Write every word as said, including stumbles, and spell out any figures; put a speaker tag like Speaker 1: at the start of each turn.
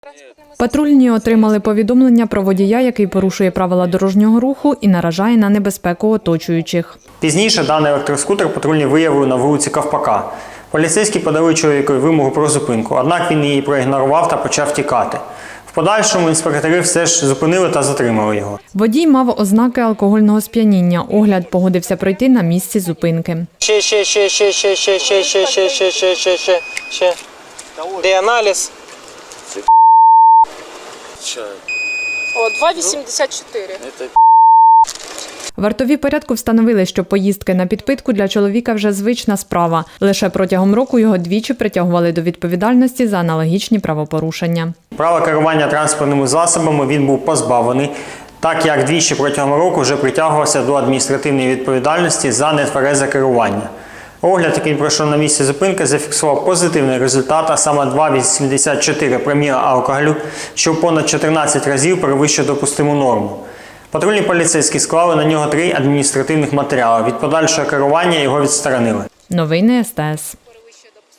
Speaker 1: Патрульні отримали повідомлення про водія, який порушує правила дорожнього руху і наражає на небезпеку оточуючих.
Speaker 2: Пізніше даний електроскутер патрульні виявили на вулиці Ковпака. Поліцейські подали чоловікові вимогу про зупинку, однак він її проігнорував та почав тікати. В подальшому інспектори все ж зупинили та затримали його.
Speaker 1: Водій мав ознаки алкогольного сп'яніння. Огляд погодився пройти на місці зупинки.
Speaker 3: Ще, ще, ще, ще, ще, ще, ще, ще, ще, ще, ще, ще, ще, ще. Де аналіз?
Speaker 4: О, два вісімдесят чотири.
Speaker 1: Вартові порядку встановили, що поїздки на підпитку для чоловіка вже звична справа. Лише протягом року його двічі притягували до відповідальності за аналогічні правопорушення.
Speaker 2: Права керування транспортними засобами він був позбавлений, так як двічі протягом року вже притягувався до адміністративної відповідальності за нетверезе керування. Огляд, який пройшов на місці зупинки, зафіксував позитивний результат, а саме два вісімдесят чотири проміла алкоголю, що в понад чотирнадцять разів перевищує допустиму норму. Патрульні поліцейські склали на нього три адміністративних матеріали. Від подальшого керування його відсторонили.
Speaker 1: Новини ес те ес.